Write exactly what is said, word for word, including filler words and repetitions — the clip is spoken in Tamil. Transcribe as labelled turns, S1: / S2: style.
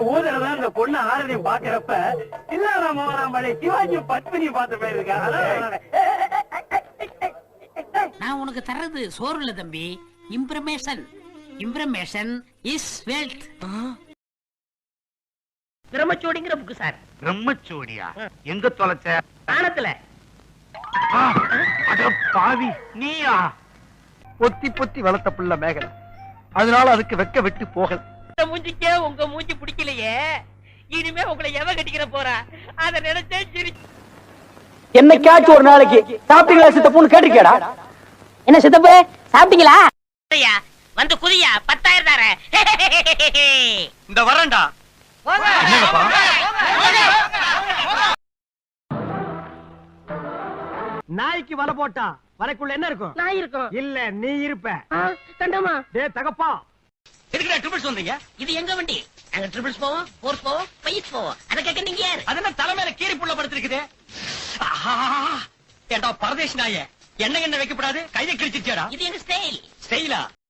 S1: ஊதல இந்த பொண்ணு ஆரதையும் பாக்குறப்ப இல்லாம சிவாஜி பத்மினி பார்த்த பேர் இருக்கா.
S2: நான் உனக்கு தர்றது சோறு இல்ல தம்பி, இம்ப்ரமேஷன். Information is wealth. பிரம்மச்சோடிங்கிற புக்கு சார்.
S3: பிரம்மச்சோடியா? எங்க தொலைச்ச?
S2: ஆனத்துல.
S3: அட பாவி, நீயா?
S4: பொத்தி பொத்தி வளர்த்த புள்ள மேகல், அதனால அதுக்கு வெக்க வெட்டு போகல.
S2: இந்த மூஞ்சிக்கே உங்க மூஞ்சி பிடிக்கலையே, இனிமே உங்களை எவ கட்டிக்கிற போறா அத நினைச்சே சிரி.
S5: என்னைக்காச்சும் ஒரு நாளைக்கு சாப்பிட்டீங்களா சித்தப்புன்னு கேட்டிருக்கேடா. என்ன சித்தப்பு சாப்பிட்டீங்களா?
S2: வந்து குதியா, பத்தாயிரம் தார.
S3: இந்த வரண்டா.
S4: நாய்க்கு வலை போட்டா வலைக்குள்ள என்ன இருக்கும்?
S2: நான் இருக்கோம்.
S4: இல்ல நீ இருப்ப.
S2: கண்டமா
S4: டே தகப்பா,
S3: எதுக்குடா ட்ரிபிள்ஸ் வந்தீங்க?
S2: இது எங்க வண்டி? நாங்க ட்ரிபிள்ஸ் போவோம், ஃபோர்ஸ் போவோம், ஃபைவ் போவோம். அத கேக்க நீங்க யார்?
S3: அது என்ன தலைமையில கீரி புள்ள படுத்திருக்குது? ஏண்டா பரதேசி நாயே, என்ன என்ன வைக்கப்படாது கையை கிழிச்சிருச்சேடா.
S2: இது எங்க ஸ்டைல்.
S3: ஸ்டைலா?